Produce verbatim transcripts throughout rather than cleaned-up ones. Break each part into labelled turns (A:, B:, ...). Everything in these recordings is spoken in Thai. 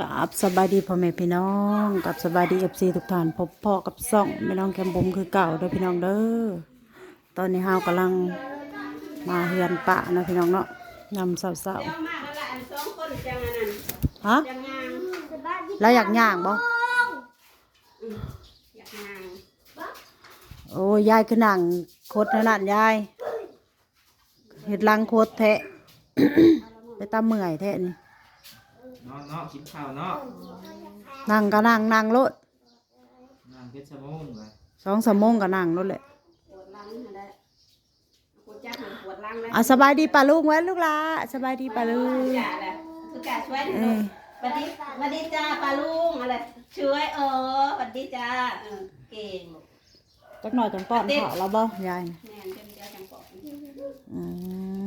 A: กับสบายดีพ่อแม่พี่น้องกับสบายดีเอฟซีทุกท่านพบพ่อกับซ่องแม่น้องแกมบุมคือเก่าเด้อพี่น้องเด้อตอนนี้เฮากำลังมาเฮือนปะนะพี่น้องเนาะยำเศร้า
B: เจ้ามาแล้วล่ะอันสองคนจังอันนั้น
A: ๆฮะ
B: จังงาง
A: แล้วอยากย่างบ่
B: อืมอยากงาง
A: โอ้ยยายคือนั่งโคตรนั่นยายเฮ็ดลังโคตรแทะ ไปตามเมื่อยแทะนี่
C: เนาะเนาะกินข้าวเนาะ
A: นั่งก็นั่งนั่งรถ
C: นั่งเพชรชะโมงเลย
A: สองสามโมงก็นั่งรถแหละ
B: ปวดหลังนั่นแหละปวดจักมันปวดหลังแล้ว
A: อ่ะสบายดีป่ะลุงไว้ลูกหลาสบายดีป่ะลุง
B: จ่าแหละคือกาช่วย
A: เอ
B: ลู
A: อก
B: สวัสดีสวัสดีจ้าปลาลุงอะไรช่วยเออสวัสดีจ้าเออเก่ง
A: จักหน่อยจังป้อนข้าวเราบ่ยาย
B: แม่นเจ้าเจ้าจังปอก
A: อืม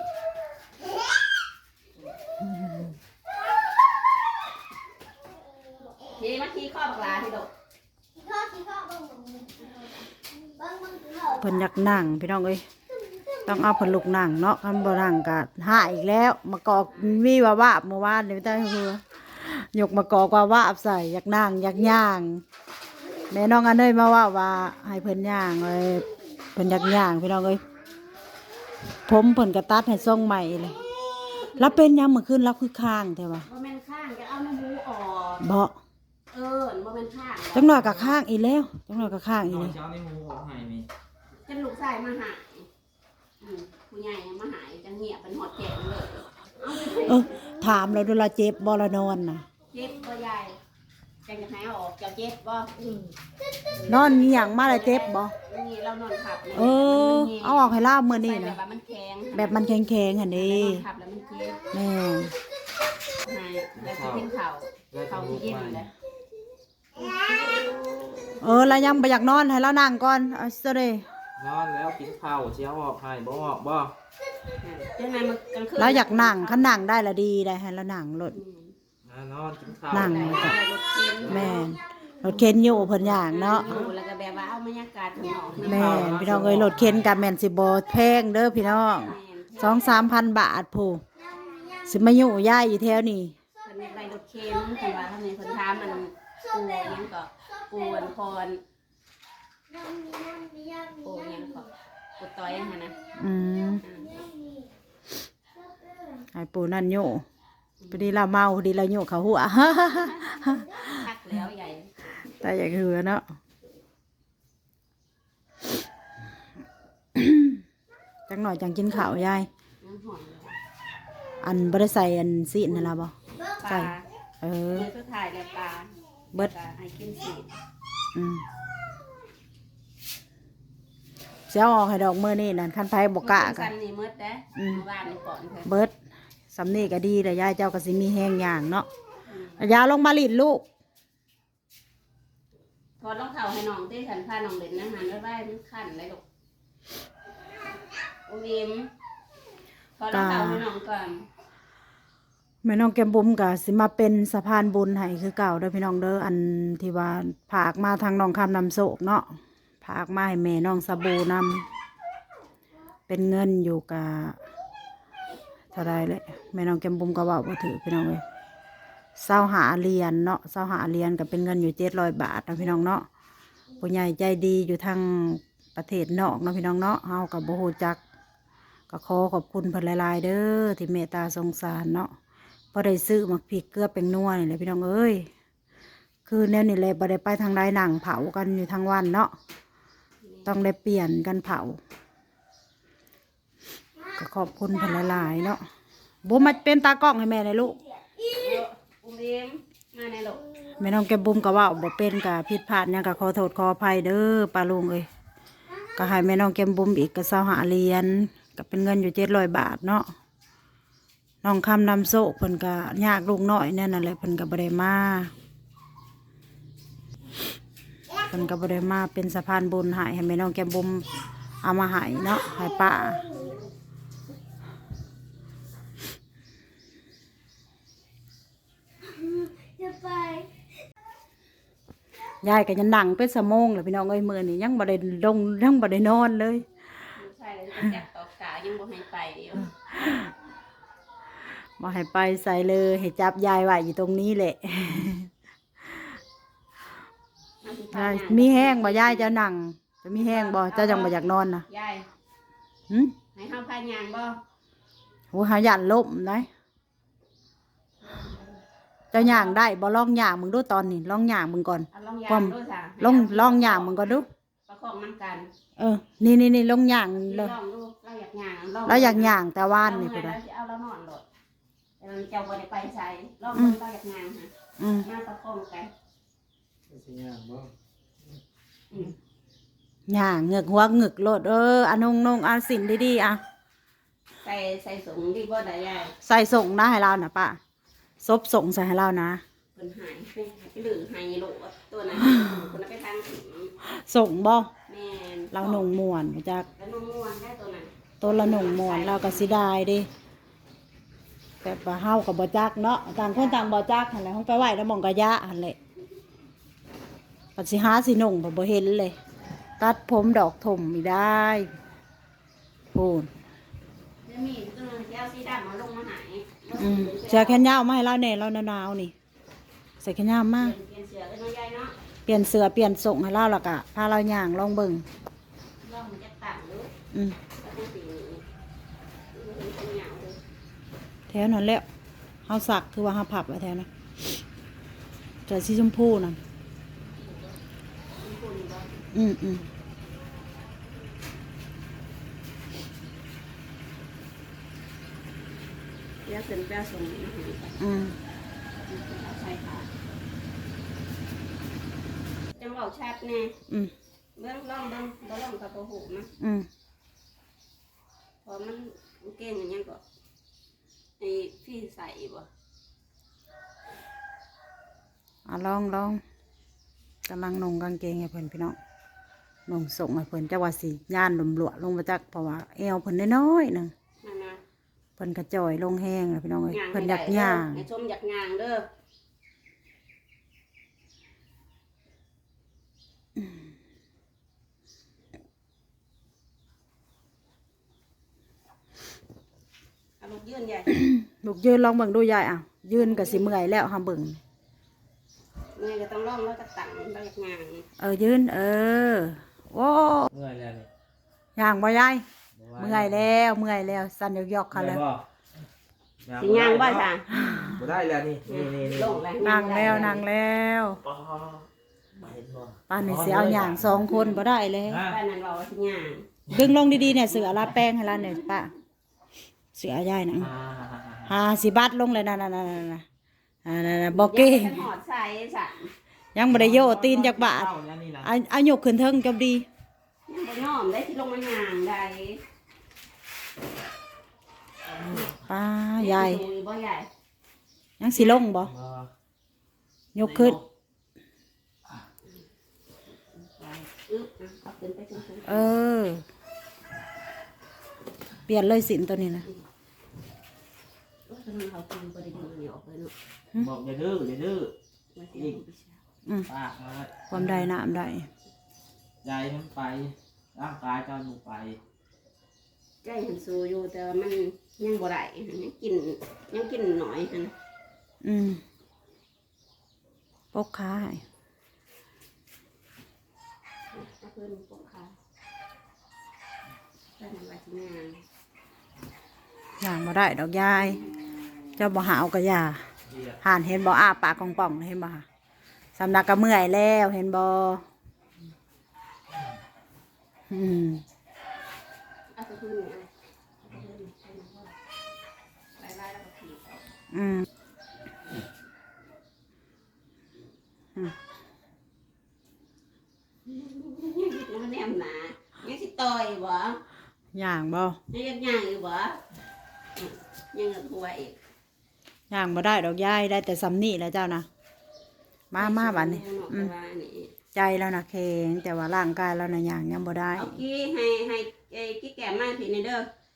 B: ทีมาทีข้อบักลาทีดก
A: เพิ่นอยากนั่งพี่น้องเอ้ยต้องเอาเพิ่นลุกนั่งเนาะคันบ่นั่งก็หาอีกแล้วมากอกมีว่าว่าเมื่อวานนี่ไม่ได้คือยกมากอกว่าว่าใส่อยากนั่งอยากย่างแม่น้องอันเอ้ยมาว่าว่าให้เพิ่นย่างเลยเพิ่นอยากย่างพี่น้องเอ้ยผมเพิ่นก็ตัดให้ทรงใหม่เลยแล้วเป็นยามมื้อคืนแล้วคือค้างแต่ว่า
B: บ่แม่นข้างจะเอาน้ำมูออก
A: บ่
B: เออบ่แม่นข้าง
A: จังหน่อยก็ค้างอีกแล้วจังหน่อยก็ค้างอีก
C: นอ
A: เล
C: น
A: ย
C: เช้าในหมูออกให้มี
B: จันลูกชายมาหายอืมผู้ใหญ่มาหายจังเงียบเป็นหอดแจกเลยเอาไปเถ
A: เอ
B: อะ
A: อถามเราดูแลเจ็บบ่ละนอนน่ะ
B: เจ็บบ่ใหญ่จังจะให้เอาออกจะเจ็บบ่อืม
A: นอนมีหยังมาแล้วเจ็บบ่
B: นี่เรานอนขับนี่ย
A: เออเอาออกให้ลาบมื้อนี้
B: ใส่แบ
A: นะ
B: บว่ามันแข็ง
A: แบบมันแข็งๆหั่นเด้
B: นอนขับแล้วมันเจ็บ
A: แม่
B: หายแล้วสิกินข้าวข้าวสิกินเลย
A: เออแล้วยังบ่อยากนอนให้เรานั่งก่อนเอาซะเด้
C: นอนแล้วกินข้าวเช้าออกให้บ่ออกบ่
B: จังไงมันกลางคืน
A: เราอยากนั่งคันนั่งได้ละดีได้ให้เรานั่งรถ
B: อืม
C: อ่านอนกินข้าว
A: นั่ง
B: ได้รถเข็น
A: แม่นรถเข็นอยู่เพิ่นย่างเนาะ
B: อยู่แล้วก็แบบว่าเอาบรรยากาศข้างนอก
A: แม่นพี่น้องเอ้ยรถเข็นก็แม่นสิบ่แพงเด้อพี่น้อง สองสามพัน บาทผู้สิมาอยู่ย้ายอยู่แถวนี้
B: เพิ่นอยากได้รถเข็นเพิ่นว่าทำไมเพิ่นถามมันปูหยังก็ปูอันพรปูหยังก็ปูต้อยหั่นนะ
A: อืม
B: อืม
A: ให้ปู่นั่นอยู่พอดีเราเมาพอดีเราอยู่เขาหัว
B: พักแล้วใหญ่
A: แต่อย่างคือเนาะ จังหน่อยจังกินข้าวยาย
B: น้ำหอมเลย
A: อันบ่ได้ใส่อันซีนนั่นล่ะบ่
B: ป
A: ใส่
B: ลา
A: เออ
B: เมื่อสุดท้ายแล้วปลา
A: เบิด
B: ปลาให้กินสี
A: อืมเสียออกให้ดอกมื้อนี้นั่นคันไผบ่กล้า
B: กั
A: กัน
B: นนี่หมืดเด้
A: อืม
B: เมื่อวานนี่ก่อนเพิ่น
A: เบิดสำนี้ก็ดีแต่ยายเจ้าก็สิมีแห้งอย่างเนาะยาลงมาลิ้นลูก
B: พอต้องเข่าให้น้องที่ฉันพาน้องเล่นนะหันแล้วได้มันขันเลยลูกอุ้มอิ่มพอต้องเข่าให้น้องก่อน
A: แม่น้องแก้มบุ๋มก็สิมาเป็นสะพานบุญให้คือเก่าเด้อพี่น้องเด้ออันที่ว่าผากมาทางน้องคำนำโศกเนาะผากมาให้แม่น้องสบู่นำเป็นเงินอยู่กับเท่าไรเลยแม่น้องแก้มบุ๋มก็เว่าบ่ถือพี่น้องเลยเศร้าหาเหรียญเนาะเศร้าหาเหรียญก็เป็นเงินอยู่เจ็ดร้อยบาทนะพี่น้องเนาะผู้ใหญ่ใจดีอยู่ทางประเทศนอกเนาะพี่น้องเนาะเฮากับบ่ฮู้จักก็ขอขอบคุณเพิ่นหลายๆเด้อที่เมตตาสงสารเนาะ พอได้ซื้อหมักพริกเกลือเป็นนัวนี่แหละพี่น้องเอ้ยคือแนวนี่แหละบ่ได้ไปทางใดหนังเผากันอยู่ทางวันเนาะต้องได้เปลี่ยนกันเผาก็ขอบคุณเพิ่นหลายๆเนาะบุ้มมาเป็นตากล้องให้แม่เลยลูก
B: อุ้มอิ่มมาในลูก
A: แม่น้องแก้มบุ้มก็ว่าบ่เป็นกะผิดพลาดหยังก็ขอโทษขออภัยเด้อป้าลุงเอ้ยก็ให้แม่น้องแก้มบุ้มอีกก็เศร้าหาเหรียญก็เป็นเงินอยู่เจ็ดร้อยบาทเนาะน้องคำนำโซกเพิ่นก็ยากลูกน้อยเนี่ยนั่นแหละเพิ่นก็บ่ได้มาเพิ่นก็บ่ได้มาเป็นสะพานบุญให้ให้แม่น้องแก้มบุมเอามาให้เนาะให้ป้ายายก็ยังนั่งเป็นสมองเลยพี่น้องเอ้ยมื้อนี้ยังบ่ได้ลงยังบ่ได้นอนเลย
B: ลูกชายเลยจะจับตอกกายังบ่ให้ไปอยู่
A: บ่ให้ไปใส่เลยให้จับยายไว้อยู่ตรงนี้แหละ ยายมีแห้งบ่ยายจะนั่งจะมีแห้งบ่เจ้าจังบ่อยากนอนนะ
B: ยาย
A: หึ
B: ให้เฮาพายางบ่
A: โหหายันล่มได้เจ้าย่างได้บ่ลองย่างมึงดูตอนนี้ลองย่างมึงก่อน
B: เอาลองยา
A: ความ
B: งดูซะ
A: ลองลองย่างมึงก่อนดู
B: ประคองมันกัน
A: เออนี่นี่นี่ลองย่าง
B: ล
A: เลย
B: องดูเราอยากย่างลอง
A: แล้วอยากย่างแต่ว่านนี่
B: เอ
A: ก็
B: ไง
A: ได้
B: เราสิเอาเรานอนโลดแต่เราจะบ่ได้ไปใช้ลองดูเราอยากย่างฮะ
A: อืม
B: มาประคองกัน
C: สิย่างบ่
B: อืม
A: ย่างเหงือกหัวเหงือกโลดเอออันนงนงอันสินดีๆอ่ะ
B: ใส่ใส่สูงดีบ่ได้ยาย
A: ใส่ส่งนะให้เรานะป้าซบส่งใส่ให้เรานะ
B: เพิ่นหายไปหรือหายโลดตัวนั้นคนนั้นไปทางถึง
A: ส่งบ่
B: แม่น
A: เราหนงม่วนจาก
B: แล้วนุ่มม่วนได้ตัวนั้น
A: ตัวละหนงม่วนเราก็สิได้เดิแบบว่าเฮากับบ่จักเนาะต่างคนต่างบ่จักหั่นแหละเฮาไปไหว้แล้วหมองกะยะหั่นแหละปัดสิหาสิหนงบ่บ่เห็นเลย ตัดผมดอกถมไม่ได้พูน
B: จะมีตัวนึงที่เอาสีดำมาลงมาหาย
A: อืมเสื้อแขนยาวมาให้เราแน่เราหนาวๆนี่ใส่แขนยาวมา
B: เปลี่ยนเสือกันน้อยใหญ่เนาะ
A: เปลี่ยนเสื้อเปลี่ยนส่งให้เราแล้วก็พาเราย่างลองเบิ่ง
B: ลองมันจะต่างหรือ
A: อืม
B: แล้วเป็นสีนี้มันเป็นเหงาเลย
A: แถวนั้นแหล้วเฮาสักคือว่าเฮาพับไว้แถวนั้นเสื้อสีชมพูนั่น
B: มีคนบ่
A: อืมอืม
B: เดี๋ยวขึ้นแป้ส่งมาให้
A: อืม
B: เอาใส่ค่ะจังหวะชัดแน่
A: อืม
B: เบิ่งลองเบิ่งบ่ลองกับบ่หูนะ
A: อืม
B: พอมันเก่งอย่างยังก็ไอ้พี่ใส่บ่
A: อ่ะลองลองกำลังนงกางเกงให้เพิ่นพี่น้องนงส่งให้เพิ่นจักว่าสิย่านหลมหลวลงมาจักเพราะว่าเอวเพิ่นน้อยๆหนึง
B: นั่นนะ
A: เพิ่นกระจอยลงแห้งแล้วพี่น้องเอ้ย
B: ย่าง
A: เพิ่น
B: ให้
A: อยาก
B: ได้
A: ย่าง
B: เด้อให้ชมอยากย่างเด้อ เอาลูกยืนใหญ่
A: ลูกยืนลองเบิ่งดูยายอ่ะยืนก็สิเมื่อยแล้วห้ามเบิ่ง
B: เมื่อยก็ต้องลองแล้วก็ตั้งเราอยากย่าง
A: เออยืนเออโอ้
C: เมื่อยแล้วนี่
A: ย่างบ่ยาย
C: บ่ไหว
A: เมื่อยแล้วเมื่อยแล้วสั่นยอกๆค่ะแล้ว
C: บ่
B: สิย่างบ่จ้ะ
C: บ่ได้แล้วนี่นี่นี่นี่
B: ลงแล้ว
A: นั่งแล้วนั่งแล้ว
C: อ๋อบ่เห็นบ่
A: ป้านนี่สิเอาย่างสองคนบ่ได้เลย
C: ฮะ
B: ป้านั่นบอกว่าสิย่าง
A: ดึงลงดีๆเนี่ยเสือลาแป้งให้เราเนี่ยป้าเสือยายนะ
C: อ่า
A: หาสิบัดลงเลยนั่นๆๆๆอ่าๆๆบ่เก่ง
B: ยังบ่ทันหอดใส่สั่น
A: ยังบ่ได้โยตีนจักบาท
C: เข้แล้วนี่นะ
A: เอาเอายกขึ้นเทิงจบดี
B: ยังบ่ยอมได้ที่ลงมาย่างได้
A: ป้ายาย
B: ดูบ่ใหญ่
A: ยังสิลงบ่
C: บ่
A: ยกขึ้น
B: อึ๊บอ่ะเอาขึ้นไปขึ้นขึ้น
A: เออ เปลี่ยนเลยสินตัวนี้นะ
B: โอ้ยทำไมเขากินบ่ได้ดึงอันนี้ออกเลยเนาะ
C: บอกอย่าดื้ออย่าดื้อ
B: มันสิเอาไปใช้
A: อืม
C: ปากมา
A: ความได้น้ำได้
C: ใจมันไปร่างกายเจ้าอยู่ไป
B: ใจหันสู้อยู่แต่ว่ามันยังบ่ได้ยังกินยังกินหน่อยหั่น
A: อืมปกขาให้
B: เอาเพิ่นปกขาแต่มันว่าสิย่าง
A: ย่างบ่ได้ดอกยาย เจ้าบ่หาวก็อย่า
C: เรียก
A: ห่านเห็นบ่อ้าปากกองๆเห็นบ่คะสำนักก็เมื่อยแล้วเห็นบ่อืม
B: เอาไปขึ้นนี่เอาไปขึ้นใส่น้ำว่าไล่ๆแล้วก็ถีบออก
A: อืม
B: มันแนมหนายังสิต่อยบ่
A: ย่างบ่
B: ยังยักย่างอยู่บ่ยังกับหัวอีก
A: ย่างบ่ได้ดอกยายได้แต่ซ้ำนี่แหล้วเจ้านะมามาบัดนี้อืม
B: ว่านี่
A: ใจแล้วนะแข็งแต่ว่าร่างกายแล้วนะย่างยังบ่ได้
B: เอากี้ให้ให้ไอ้กี้แก้มมาพี่นี่เด้อ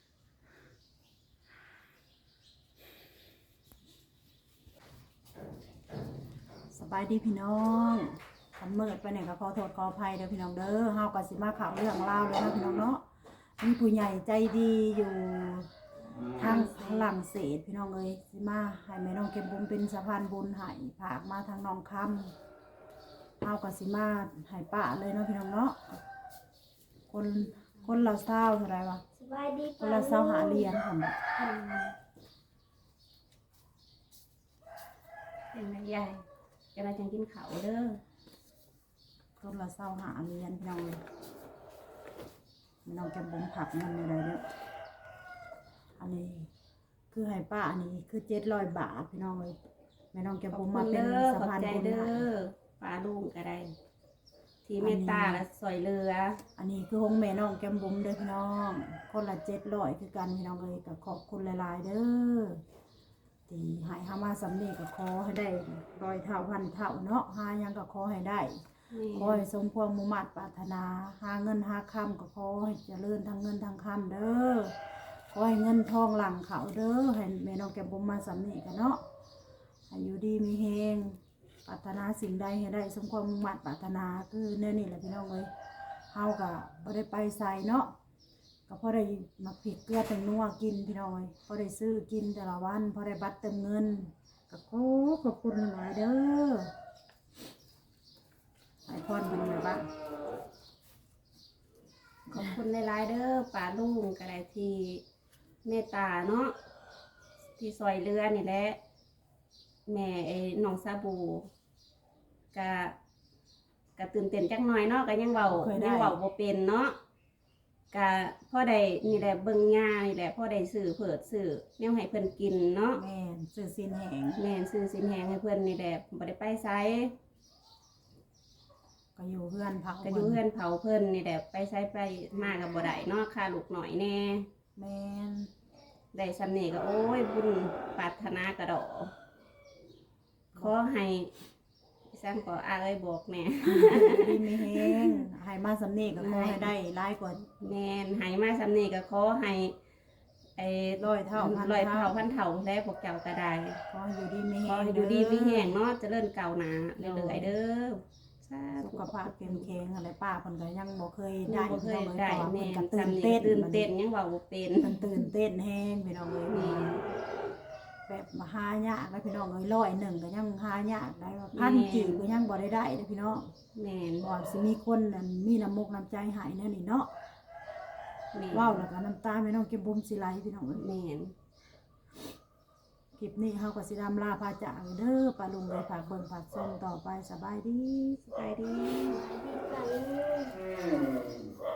A: สบายดีพี่น้องทำเมิดไปเนี่ยก็ขอโทษขออภัยเด้อพี่น้องเด้อเฮาก็สิมาข่าวเรื่องเล่าวเลยนะพี่น้องเนาะมีผู้ใหญ่ใจดีอยู่ทางฝรั่งเศสพี่น้องเอ้ยสิมาให้แม่น้องเก็บบุญเป็นสะพานบุญให้ผากมาทางน้องคำเอากับสิมาให้ป้าเลยเนาะพี่น้องเนาะคนคนละเศร้าเท่าไหรวะ
B: สบายดี
A: คนละเศร้าหาเหรียญผมบอก
B: เป็นไงยายจะมาจังกินข้าวเด้อ
A: คนละเศร้าหาเหรียญพี่น้องเลยแม่น้องเก็บบุญผักเงินอะไรเด้ออันนี้คือให้ป้าอันนี้คือเจ็ดร้อยบาทพี่น้องเลยแม่น้องเก็บบุญมาเป็นสะพานบุญ
B: เด้
A: ให้
B: อปลาลุงก็ได้ที่เมตตาและสวยเรือ
A: อันนี้คือห้องแม่น้องแก้มบุ๋มเด้อพี่น้อง คนละเจ็ดร้อยคือกันพี่น้องเลยก็ขอบคุณหลายๆเด้อที่ใหายหามาสำเร็จก็ขอให้ได้ร้อยเท่าพันเท่าเนาะหายังก็ขอให้ได้ขอให้สมความมุ่งมั่นปรารถนาหาเงินหาคำก็ขอให้เจริญทั้งเงินทั้งคำเด้อขอให้เงินทองหลังเขาเด้อให้แม่น้องแก้มบุ๋มมาสำเร็จกันเนาะให้อยู่ดีมีเฮงปรารถนาสิ่งใดให้ได้สมความมุ่งมั่นปรารถนาคือแน่นี่แหละพี่น้องเลยเฮาก็บ่ได้ไปใส่เนาะก็พอได้มาผิดเกลือแต่งนัวกินพี่น้องเลยพอได้ซื้อกินแต่ละวันพอได้บัตรเติมเงินก็ขอขอบคุณหลายเด้อให้พรเป็นไงบ้าง
B: ขอบคุณหลายๆเด้อปลาลุงก็ได้ที่เมตตาเนาะที่ซอยเรือนี่แหละแม่ไอ้น้องซาบูก็ก็ตื่นเต้นจักหน่อยเนาะก็ยังเว้ายังเว้าบ่เป็นเนาะก็พ่อได้นี่แหละเบิ่งยานี่แหละพ่อได้ซื้อเผิดซื้อแนวให้เพิ่นกินเนาะ
A: แม่นซื้อสินแหง
B: แม่นซื้อสินแหงให้เพิ่นนี่แหละบ่ได้ไปไส
A: ก็อยู่เพื่อนพัก
B: ก็อยู่เฮือนเผาเพิ่นนี่แหละไปไสไปมาก็บ่ได้เนาะค่าลูกหน่อยแน่
A: แม่น
B: ได้สำนี้ก็โอ้ยบุญปรารถนากระดอกขอให้พี่สันขออาเอ้ยบอกแม่
A: ดีมีเฮงให้มาสำเนีก็ขอให้ได้ร้ายกว่า
B: แม่นให้มาสำนี้ก็ขอให้ไอ้
A: ร้อยเท่าพัน
B: ร้อยเท่า
A: เท่า
B: พันเท่าแล้วพวกเจ้าก็ได้
A: ขอให้อยู่ดีมีเฮ
B: ของ ให้อยู่ดีมีแห้งเนาะเจริญก้าวหน้าเรื่อยๆเด้อสาธุ
A: สุขภาพเข้มแข็งอะไรป้าเพิ่นก็ยังบ่เคย
B: ได้
A: ได้
B: บ่เคย
A: พี่น้อง
B: ได้
A: เอ้ย
B: แม่
A: เพราะว่าเพิ่นก็ตื่
B: สำ
A: น
B: นี้
A: เต้น
B: ตื่นเต้นยังเว้าบ่เป็น
A: เพิ่นตื่นเต้นแฮงพี่น้องเอ้ย
B: แม่
A: แบบมาหายากแล้วพี่น้องเอ้ยร้อยหนึ่งก็ยังหายากได้ว่าพันกี่ก็ยังบ่ได้ได้เด้อพี่น้อง
B: แม่น
A: บ่สิมีคนนั่นมีน้ำมกน้ำใจให้แน่นี่เนาะ
B: แม่น
A: ว้าวแล้วก็น้ำตาพี่น้องเก็บบุมสิไหลพี่น้องเอ้ย
B: แม่น
A: คลิปนี้เฮาก็สิดำลาพาจากเด้อป้าลุงเลยฝากเบิ่งฝากชมต่อไปสบายดี
B: สบายดี
C: อืม